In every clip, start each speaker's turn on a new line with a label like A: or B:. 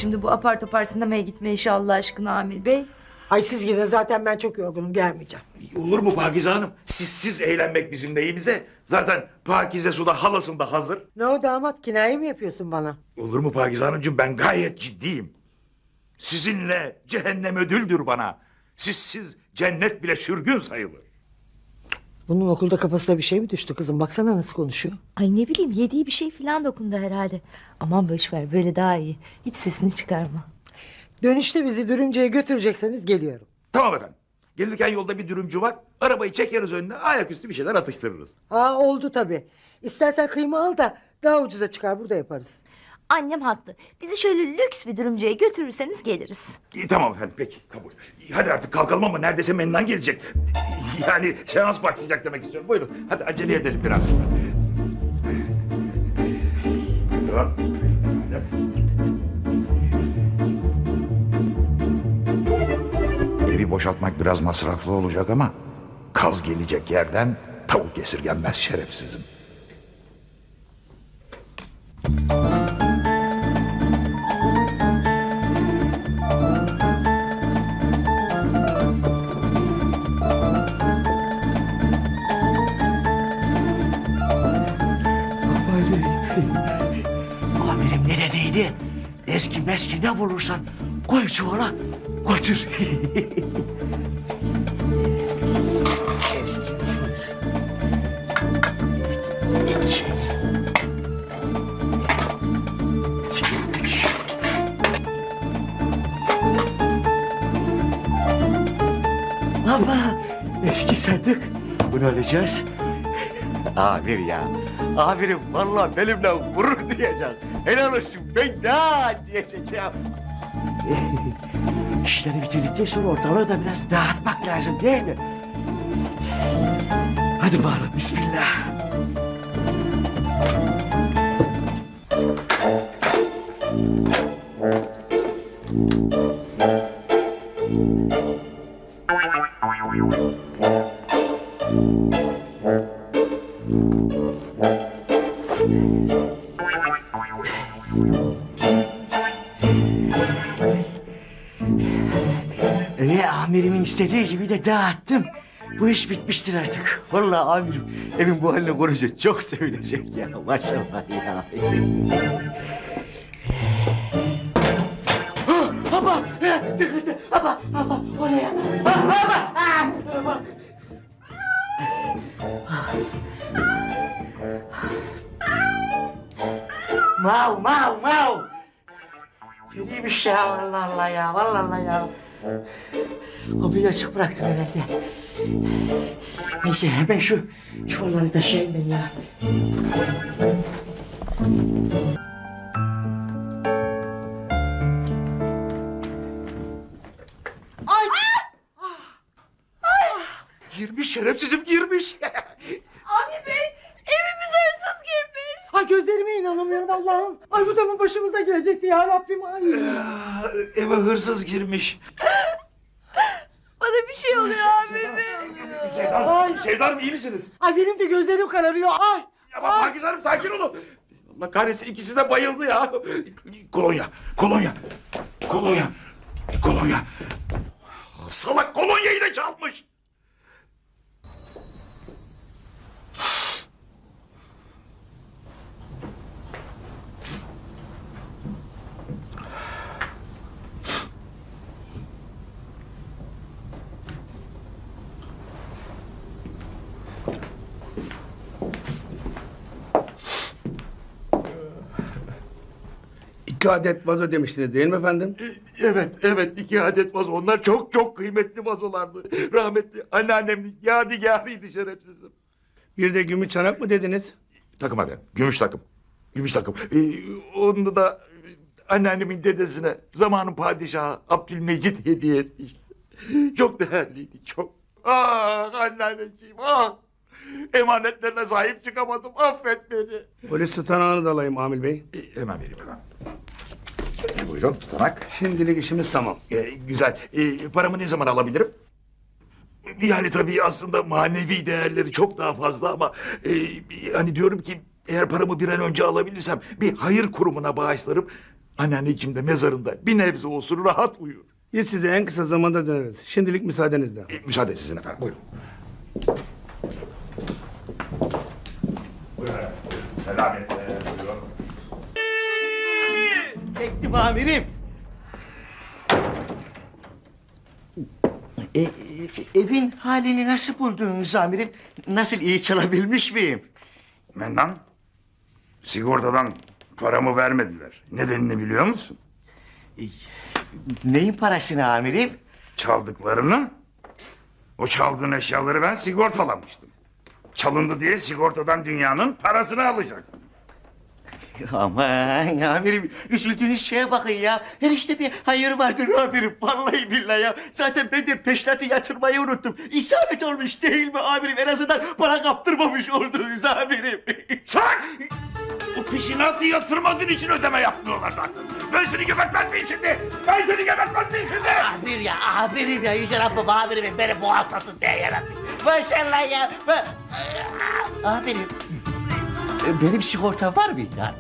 A: şimdi bu apar topar sinemaya gitme işi Allah aşkına Amil Bey?
B: Ay siz gidin, zaten ben çok yorgunum, gelmeyeceğim.
C: Olur mu Pakize Hanım? Sizsiz eğlenmek bizim neyimize? Zaten Pakize Su'da halasında hazır.
B: Ne o damat, kinaye mi yapıyorsun bana?
C: Olur mu Pakize Hanımcığım? Ben gayet ciddiyim. Sizinle cehennem ödüldür bana. Sizsiz cennet bile sürgün sayılır.
B: Bunun okulda kafasına bir şey mi düştü kızım? Baksana nasıl konuşuyor.
A: Ay ne bileyim, yediği bir şey falan dokundu herhalde. Aman boşver, böyle daha iyi. Hiç sesini çıkarma.
B: Dönüşte bizi Dürümcü'ye götürecekseniz geliyorum.
C: Tamam efendim. Gelirken yolda bir dürümcü var. Arabayı çekeriz önüne, ayaküstü bir şeyler atıştırırız.
B: Aa, oldu tabii. İstersen kıyma al da daha ucuza çıkar, burada yaparız.
A: Annem haklı. Bizi şöyle lüks bir dürümcüye götürürseniz geliriz.
C: Tamam efendim, peki, kabul. Hadi artık kalkalım ama neredeyse Mennan gelecek. Yani seans başlayacak demek istiyorum. Buyurun, hadi acele edelim biraz. Tamam. Evi boşaltmak biraz masraflı olacak ama kaz gelecek yerden tavuk esirgenmez şerefsizim.
D: Amirim ne dediydi? Eski meski ne bulursan koy çuvala götür. Eski fıs. Eski. Çekilmiş. Baba, eski sandık. Bunu alacağız. Amir ya. Amirim vallahi benimle gurur duyacak. Helal olsun, ben ne diyeceğim. İşleri bitirdikten sonra ortalığı da biraz dağıtmak lazım değil mi? Hadi bakalım, bismillah. Amirimin istediği gibi de dağıttım. Bu iş bitmiştir artık. Vallahi amirim evin bu haline görünce çok sevinecek ya. Maşallah ya. Baba! Tıkırdı! Baba! Baba! Oraya! Baba! Baba! Mau! Mau! Mau! Kediymiş ya, vallahi Allah ya, vallahi Allah ya. Kapıyı açık bıraktım herhalde. Neyse hemen şu çuvalları taşıyayım ben ya.
B: Ay!
C: Girmiş şerefsizim, girmiş.
A: Amil Bey, evimize hırsız girmiş.
B: Ay, gözlerime inanamıyorum Allah'ım. Ay, bu da mı başımıza gelecekti ya Rabbim? Ay.
C: Eve hırsız girmiş.
A: Bana bir şey oluyor Amil Bey.
B: Ay.
C: Sevda Hanım, iyi misiniz?
B: Ay, benim de gözlerim kararıyor. Ay.
C: Ama Pakize Hanım, sakin olun. Allah kahretsin, ikisi de bayıldı ya. Kolonya, kolonya, kolonya, kolonya. Salak kolonyayı da çalmış.
E: İki adet vazo demiştiniz değil mi efendim?
C: Evet, 2 adet vazo. Onlar çok çok kıymetli vazolardı. Rahmetli anneannemin yadigarıydı şerefsizim.
E: Bir de gümüş çanak mı dediniz?
C: Takım efendim, gümüş takım. Gümüş takım. Onu da anneannemin dedesine zamanın padişahı Abdülmecit hediye etmişti. Çok değerliydi, çok. Ah anneanneciğim, ah! Emanetlerine sahip çıkamadım, affet beni.
E: Polis tutanağını da alayım Amil Bey.
C: Hemen vereyim hemen. Buyurun, tutanak.
E: Şimdilik işimiz tamam.
C: Güzel. Paramı ne zaman alabilirim? Yani tabii aslında manevi değerleri çok daha fazla ama... hani diyorum ki eğer paramı bir an önce alabilirsem bir hayır kurumuna bağışlarım. Anneanneciğim de mezarında bir nebze olsun rahat uyur.
E: Biz size en kısa zamanda döneriz. Şimdilik müsaadenizle.
C: Müsaade sizin efendim, buyurun. Buyurun, selametle, buyurun.
D: Çektim amirim. Evin halini nasıl buldunuz amirim? Nasıl, iyi çalabilmiş miyim?
C: Mennan, sigortadan paramı vermediler. Nedenini biliyor musun?
D: Neyin parasını amirim?
C: Çaldıklarını. O çaldığın eşyaları ben sigortalamıştım. Çalındı diye sigortadan dünyanın parasını alacaktım.
D: Aman amirim, üzüldüğünüz şeye bakın ya. Her işte bir hayır vardır amirim. Vallahi billahi ya. Zaten ben de peşinatı yatırmayı unuttum. İsabet olmuş değil mi amirim? En azından para kaptırmamış oldunuz amirim.
C: Sak! O peşinatı yatırmadığın için ödeme yapmıyorlar zaten. Ben seni gebertmez miyim şimdi? Ben seni gebertmez miyim şimdi?
D: Amirim ya, Yüce Rabbim amirim beni boğazlasın diye yarabbim. Maşallah ya. Amirim, benim sigortam var mı ya?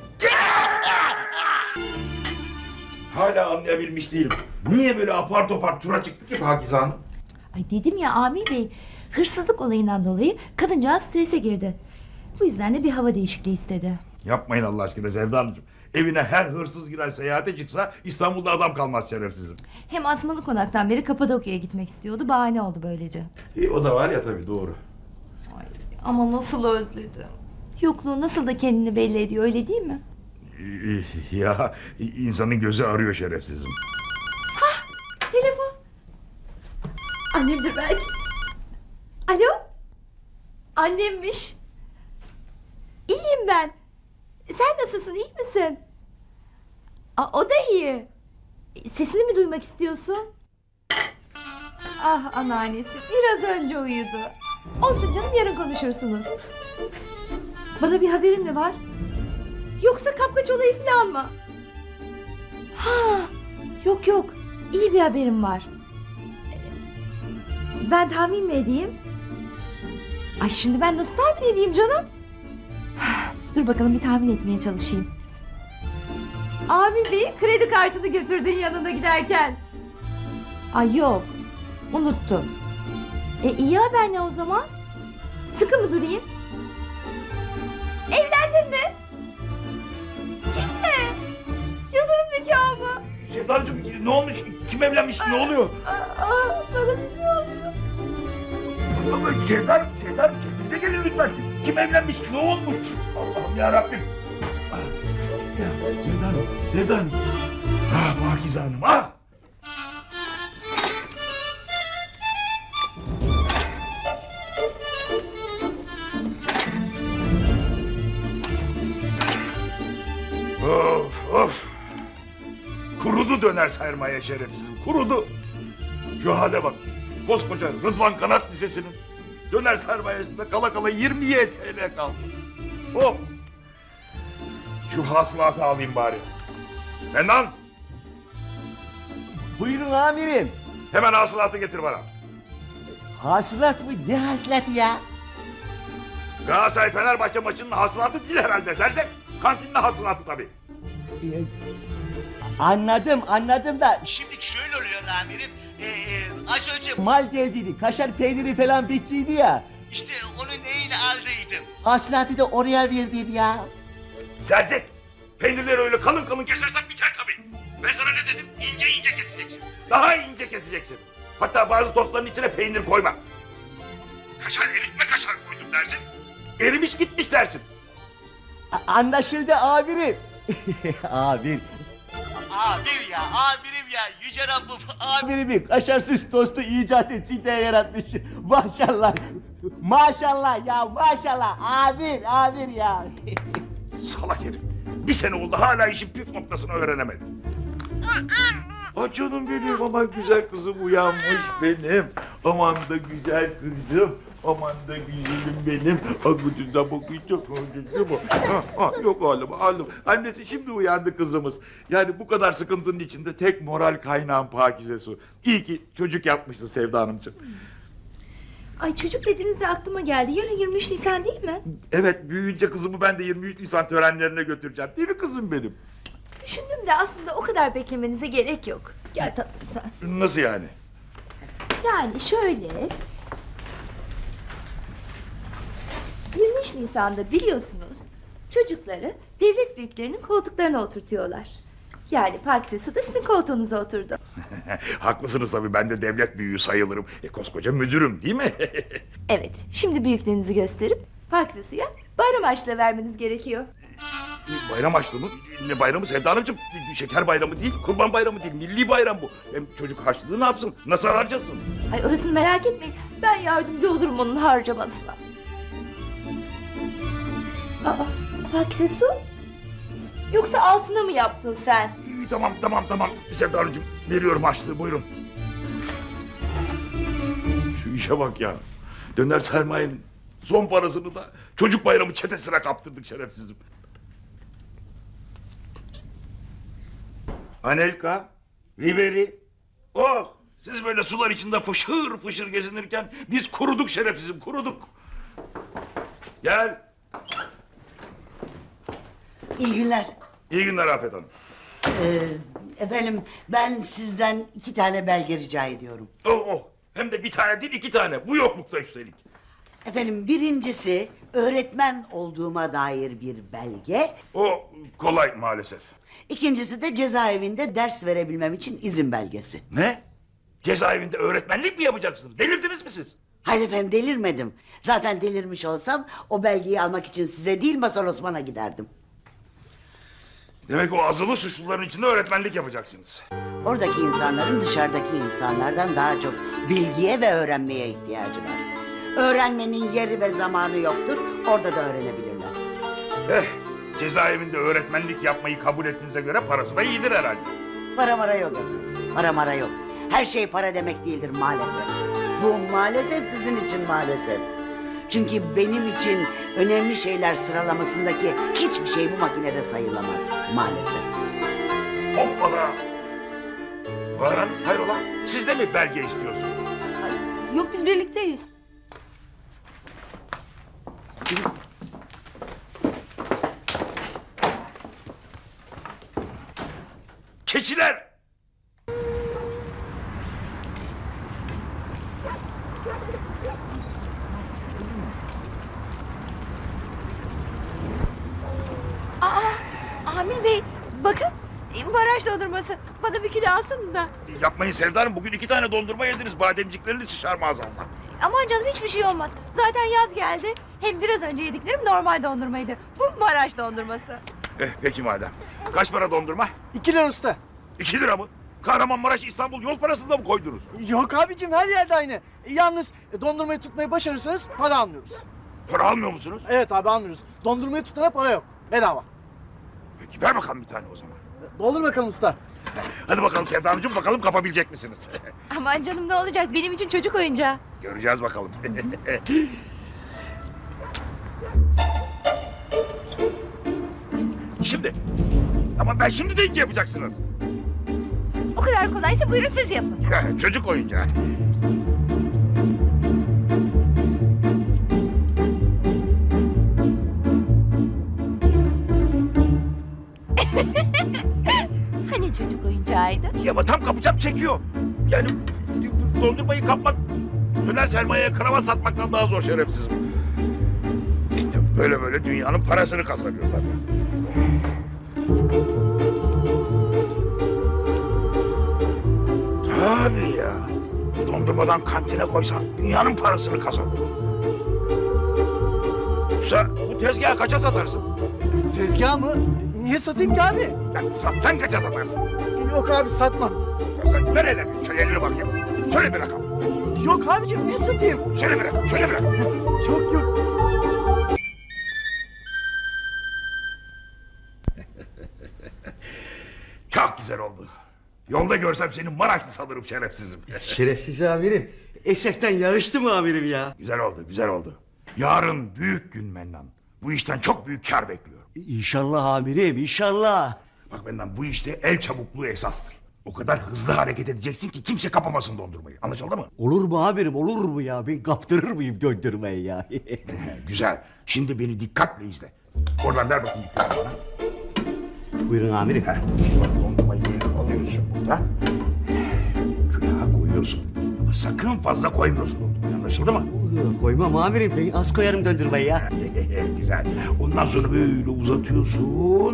C: Hala anlayabilmiş değilim. Niye böyle apar topar tura çıktı ki Pakize Hanım?
A: Ay dedim ya Amir Bey, hırsızlık olayından dolayı kadıncağız strese girdi. Bu yüzden de bir hava değişikliği istedi.
C: Yapmayın Allah aşkına Sevda Hanımcığım. Evine her hırsız giren seyahate çıksa İstanbul'da adam kalmaz şerefsizim.
A: Hem Asmalı Konak'tan beri Kapadokya'ya gitmek istiyordu, bahane oldu böylece.
C: O da var ya tabii, doğru.
A: Ay, ama nasıl özledim. Yokluğu nasıl da kendini belli ediyor, öyle değil mi?
C: Ya insanın gözü arıyor şerefsizim.
A: Telefon. Annemdir belki. Alo? Annemmiş. İyiyim ben. Sen nasılsın, iyi misin? O da iyi. Sesini mi duymak istiyorsun? Ah anneannesi, biraz önce uyudu. Olsun canım, yarın konuşursunuz. Bana bir haberin mi var? Yoksa kapkaç olayı falan mı? Ha, yok yok, iyi bir haberim var. Ben tahmin mi edeyim? Ay şimdi ben nasıl tahmin edeyim canım? Dur bakalım, bir tahmin etmeye çalışayım. Abi Bey kredi kartını götürdün yanına giderken. Ay yok, unuttum. İyi haber ne o zaman? Sıkı mı durayım? Evlendin mi? Kimle? Yıldırım nikahı mı?
C: Sevda Hanımcığım ne olmuş? Kim evlenmiş? Ne oluyor?
A: Bana bir şey oluyor.
C: Sevda kendinize gelin lütfen. Kim evlenmiş? Ne olmuş? Allah'ım yarabbim. Sevda Hanım. Ah Pakize Hanım, ah! Of. Kurudu döner sermaye şerefsizim, kurudu. Şu hale bak. Koskoca Rıdvan Kanat Lisesi'nin döner sermayesinde kala kala 20 TL kaldı. Of. Şu hasılatı alayım bari. Mennan,
D: Buyurun amirim.
C: hemen hasılatı getir bana.
D: Hasılat mı? Ne hasılatı ya?
C: Galatasaray Fenerbahçe maçının hasılatı değil herhalde Zerzek. Kantinin hasılatı tabii.
D: Anladım da şimdi şöyle oluyor amirim. Az önce mal geldiydi, kaşar peyniri falan bittiydi ya. İşte onun neyini aldıydım. Hasılatı da oraya verdim ya.
C: Zerzek, peynirleri öyle kalın kalın kesersen biter tabii. Ben sana ne dedim? İnce ince keseceksin. Daha ince keseceksin. Hatta bazı tostların içine peynir koyma. Kaşar eritme kaşar koydum dersin. Erimiş gitmiş dersin.
D: Anlaşıldı amirim. Amirim ya, Yüce Rabbim amirimi kaşarsız tostu icat etsin diye yaratmış. Maşallah. Maşallah ya, maşallah. Amir ya.
C: Salak herif. Bir sene oldu hala işin püf noktasını öğrenemedi. Ay canım benim, aman güzel kızım uyanmış benim. Aman da güzel kızım. Aman da güzelim benim. Akıcında bakacağım. Yok oğlum. Annesi şimdi uyandı kızımız. Yani bu kadar sıkıntının içinde tek moral kaynağım Pakize Su. İyi ki çocuk yapmışsın Sevda Hanımcığım.
A: Ay çocuk dediğinizde aklıma geldi. Yarın 23 Nisan değil mi?
C: Evet, büyüyünce kızımı ben de 23 Nisan törenlerine götüreceğim. Değil mi kızım benim?
A: Düşündüm de aslında o kadar beklemenize gerek yok. Gel tatlım sen.
C: Nasıl yani?
A: Yani şöyle... 23 Nisan'da biliyorsunuz çocukları devlet büyüklerinin koltuklarına oturtuyorlar. Yani Pakize Su da sizin koltuğunuza oturdu.
C: Haklısınız tabii, ben de devlet büyüğü sayılırım. Koskoca müdürüm değil mi?
A: Evet, şimdi büyüklüğünüzü gösterip Pakize Su'ya bayram harçlığı vermeniz gerekiyor.
C: Bayram açlı mı? Ne bayramı Sevda Hanımcığım? Şeker bayramı değil, kurban bayramı değil, milli bayram bu. Hem çocuk harçlığı ne yapsın? Nasıl harcasın?
A: Ay orasını merak etmeyin, ben yardımcı olurum onun harcamasına. Aa, Pakize Su? Yoksa altına mı yaptın sen?
C: Tamam. Sevda Hanımcığım, veriyorum harçlığı, buyurun. Şu işe bak ya. Döner sermayenin son parasını da çocuk bayramı çetesine kaptırdık şerefsizim. Anelka, Riveri. Oh! Siz böyle sular içinde fışır fışır gezinirken biz kuruduk şerefsizim, kuruduk. Gel.
F: İyi günler.
C: İyi günler Afet Hanım.
F: Efendim ben sizden 2 tane belge rica ediyorum.
C: Oh. Hem de bir tane değil, 2 tane. Bu yoklukta üstelik.
F: Efendim birincisi öğretmen olduğuma dair bir belge.
C: O kolay maalesef.
F: İkincisi de cezaevinde ders verebilmem için izin belgesi.
C: Ne? Cezaevinde öğretmenlik mi yapacaksınız? Delirdiniz mi siz?
F: Hayır efendim delirmedim. Zaten delirmiş olsam o belgeyi almak için size değil Mazhar Osman'a giderdim.
C: Demek o azılı suçluların içinde öğretmenlik yapacaksınız.
F: Oradaki insanların dışarıdaki insanlardan daha çok bilgiye ve öğrenmeye ihtiyacı var. Öğrenmenin yeri ve zamanı yoktur. Orada da öğrenebilirler.
C: Cezaevinde öğretmenlik yapmayı kabul ettiğinize göre parası da iyidir herhalde.
F: Para mara yok efendim. Para mara yok. Her şey para demek değildir maalesef. Bu maalesef sizin için maalesef. Çünkü benim için önemli şeyler sıralamasındaki hiçbir şey bu makinede sayılamaz maalesef.
C: Hoppala! Baran, hayrola? Siz de mi belge istiyorsunuz?
G: Yok biz birlikteyiz.
C: Keçiler!
A: Amil Bey, bakın baraj dondurması. Bana bir kilo alsanız da.
C: Yapmayın Sevda Hanım, bugün 2 tane dondurma yediniz. Bademciklerini sıçar maazallah.
A: Aman canım hiçbir şey olmaz. Zaten yaz geldi. Hem biraz önce yediklerim normal dondurmaydı. Bu baraj dondurması.
C: Peki madem. Kaç para dondurma?
H: 2 lira usta.
C: 2 lira mı? Kahramanmaraş İstanbul yol parasını da mı koydunuz?
H: Yok abicim her yerde aynı. Yalnız dondurmayı tutmayı başarırsanız para almıyoruz.
C: Para almıyor musunuz?
H: Evet abi almıyoruz. Dondurmayı tutana para yok. Bedava.
C: Peki ver bakalım bir tane o zaman.
H: Doldur bakalım usta.
C: Hadi bakalım Sevda Hanımcığım, bakalım kapabilecek misiniz?
A: Aman canım ne olacak benim için çocuk oyuncağı.
C: Göreceğiz bakalım. Şimdi. Ama ben şimdi deyince yapacaksınız.
A: O kadar kolaysa buyurun siz yapın.
C: Çocuk oyuncağı.
A: Hani çocuk oyuncağıydı?
C: Ya ama tam kapacağım çekiyor. Yani dondurmayı kapmak döner sermayeye kravat satmaktan daha zor şerefsizim. Ya böyle dünyanın parasını kazanıyor tabii. Tabii ya. Dondurmadan kantine koysan dünyanın parasını kazanır. Yoksa bu tezgahı kaça satarsın?
H: Tezgah mı? Niye satayım ki abi?
C: Yani satsan kaça satarsın?
H: Yok abi satmam.
C: Ya sen ver hele bir elini bakayım. Söyle bir rakam.
H: Yok abicim niye satayım?
C: Söyle bir rakam, söyle bir rakam.
H: Yok.
C: Çok güzel oldu. Yolda görsem seni Maraşlı sanırım şerefsizim.
D: Şerefsiz amirim. Eserten yağıştı mı amirim ya?
C: Güzel oldu, güzel oldu. Yarın büyük gün Mennan. Bu işten çok büyük kar bekliyorum.
D: İnşallah amirim inşallah.
C: Bak Mennan, bu işte el çabukluğu esastır. O kadar hızlı hareket edeceksin ki kimse kapamasın dondurmayı. Anlaşıldı mı?
D: Olur mu amirim olur mu ya? Ben kaptırır mıyım döndürmeyi ya?
C: Güzel. Şimdi beni dikkatle izle. Oradan ver bakayım bir tane bana.
D: Buyurun amirim.
C: Şimdi bak dondurmayı böyle alıyorsun burada. Külaha koyuyorsun. Ama sakın fazla koymuyorsun dondurmayı, anlaşıldı mı?
D: Koymam amirim. Ben az koyarım döndürmeyi ya.
C: Güzel. Ondan sonra böyle uzatıyorsun.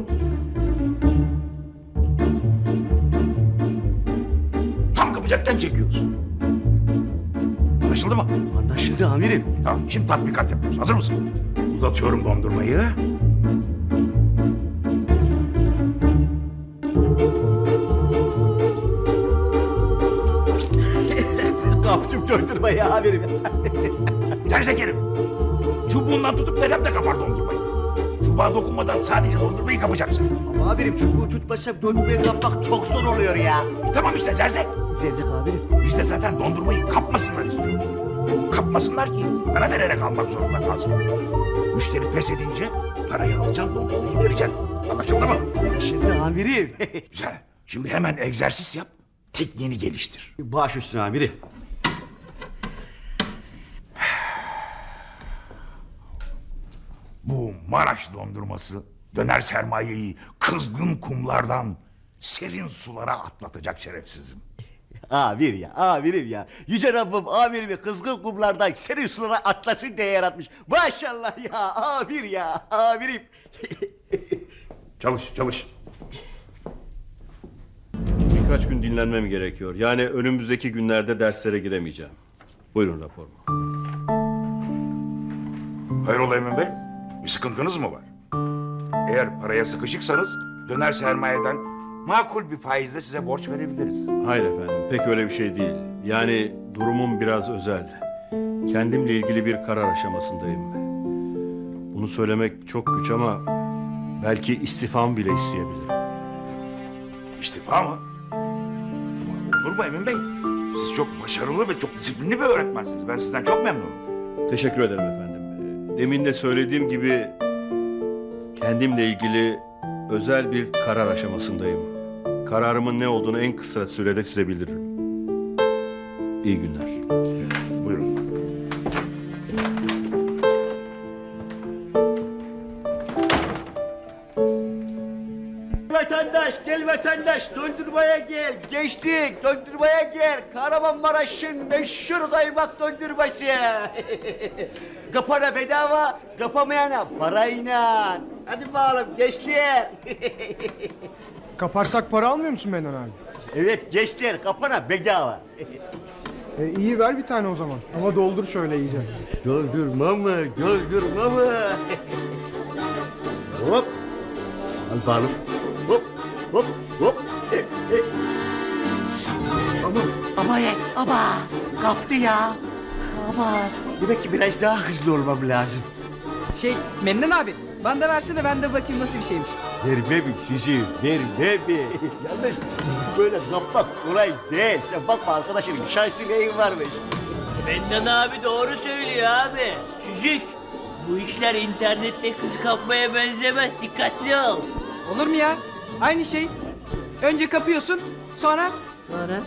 C: Tam kapacakken çekiyorsun. Anlaşıldı mı?
D: Anlaşıldı amirim.
C: Tamam, şimdi tatbikat yapıyoruz. Hazır mısın? Uzatıyorum dondurmayı.
D: Kaptım döndürmeyi amirim.
C: Sersek herif. Çubuğundan tutup neremle kapar dondurmayı. Çubuğa dokunmadan sadece dondurmayı kapacaksın.
D: Ama amirim çubuğu tutmasam döndürmeyi kapmak çok zor oluyor ya.
C: Tamam işte sersek.
D: Zerzek amirim.
C: Biz de zaten dondurmayı kapmasınlar istiyoruz. Kapmasınlar ki para vererek almak zorunda kalsınlar. Müşteri pes edince parayı alacaksın, dondurmayı vereceksin. Anlaşıldı mı?
D: Anlaşıldı amirim.
C: Güzel. Şimdi hemen egzersiz yap. Tekniğini geliştir.
D: Baş üstüne amirim.
C: Bu Maraş dondurması döner sermayeyi kızgın kumlardan serin sulara atlatacak şerefsizim.
D: Amir ya, amirim ya. Yüce Rabbim amirimi kızgın kumlardan serin sulara atlasın diye yaratmış. Maşallah ya, amir ya, amirim.
C: Çalış, çalış.
I: Birkaç gün dinlenmem gerekiyor. Yani önümüzdeki günlerde derslere giremeyeceğim. Buyurun raporumu.
C: Hayrola Emin Bey? Bir sıkıntınız mı var? Eğer paraya sıkışıksanız döner sermayeden makul bir faizle size borç verebiliriz.
I: Hayır efendim, pek öyle bir şey değil. Yani durumum biraz özel. Kendimle ilgili bir karar aşamasındayım. Bunu söylemek çok güç ama belki istifamı bile isteyebilirim.
C: İstifa mı? Ama olur mu Emin Bey? Siz çok başarılı ve çok disiplinli bir öğretmensiniz. Ben sizden çok memnunum.
I: Teşekkür ederim efendim. Demin de söylediğim gibi kendimle ilgili özel bir karar aşamasındayım. Kararımın ne olduğunu en kısa sürede size bildiririm. İyi günler.
C: Buyurun.
D: Vatandaş, gel vatandaş, döndürmeye gel. Geçtik, döndürmeye gel. Kahramanmaraş'ın meşhur kaymak döndürmesi. Kapana bedava, kapamayana parayla. Hadi bakalım gençler.
H: Kaparsak para almıyor musun Mennan abi?
D: Evet gençler, kapana bedava.
H: İyi ver bir tane o zaman. Ama doldur şöyle iyice.
D: Doldurma mı, doldurma mı? Hop. Al bakalım. Hop, hop, hop. Ama ne? Ama kaptı ya. Ama demek ki biraz daha hızlı olmam lazım.
J: Memnun abi. Bana da versene ben de bakayım nasıl bir şeymiş.
D: Verme mi sizi? Verme mi? Yalnız böyle kapmak kolay değil. Sen bakma arkadaşının şansı neyin varmış.
K: Mennan abi doğru söylüyor abi. Çocuk, bu işler internette kız kapmaya benzemez. Dikkatli ol.
J: Olur mu ya? Aynı şey. Önce kapıyorsun sonra...
K: Sonra?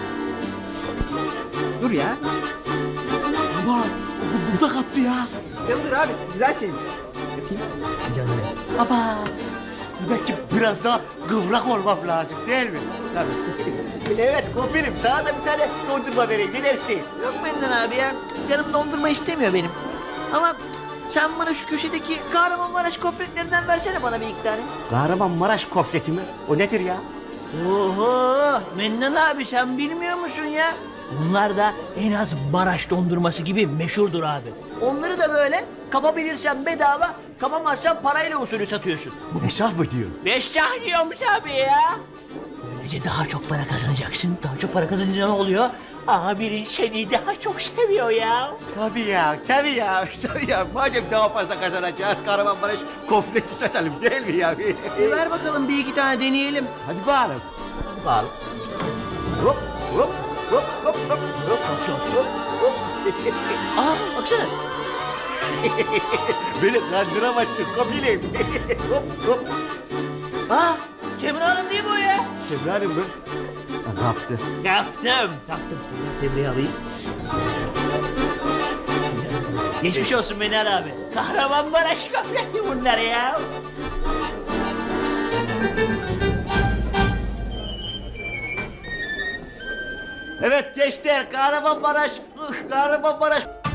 J: Dur ya.
D: Ama bu da kaptı ya.
J: İşte budur abi. Güzel şeymiş.
K: Canım.
D: Ama demek ki biraz daha kıvrak olmam lazım değil mi? Tabii. Evet kopilim sana da bir tane dondurma vereyim ne dersin?
K: Yok Mennan abi ya. Canım dondurma istemiyor benim. Ama sen bana şu köşedeki Kahramanmaraş kofretlerinden versene bana bir iki tane.
D: Kahramanmaraş kofleti mi? O nedir ya?
K: Oho! Mennan abi sen bilmiyor musun ya? Bunlar da en az Maraş dondurması gibi meşhurdur abi. Onları da böyle kapabilirsen bedava, kapamazsan parayla usulü satıyorsun.
D: Bu hesap mı diyor?
K: Beşşah diyormuş abi ya. Böylece daha çok para kazanacaksın. Daha çok para kazanınca ne oluyor? Abinin seni daha çok seviyor ya.
D: Tabii ya, tabii ya, tabii ya. Madem daha fazla kazanacağız Kahramanmaraş kofleti satalım değil mi ya?
K: Ver bakalım bir iki tane deneyelim.
D: Hadi bakalım. Hadi bakalım. Hop, hop, hop, hop, hop, hop, hop, hop.
K: Aa baksana.
D: Beni kandıramazsın kopilim. Hop, hop.
K: Aa Semra Hanım değil mi o ya?
D: Semra Hanım mı? Ne yaptı?
K: Taktım. Tebriği alayım. Geçmiş olsun Menal abi. Kahramanmaraş kofreti bunlar ya.
D: Evet gençler Kahramanmaraş, Kahramanmaraş.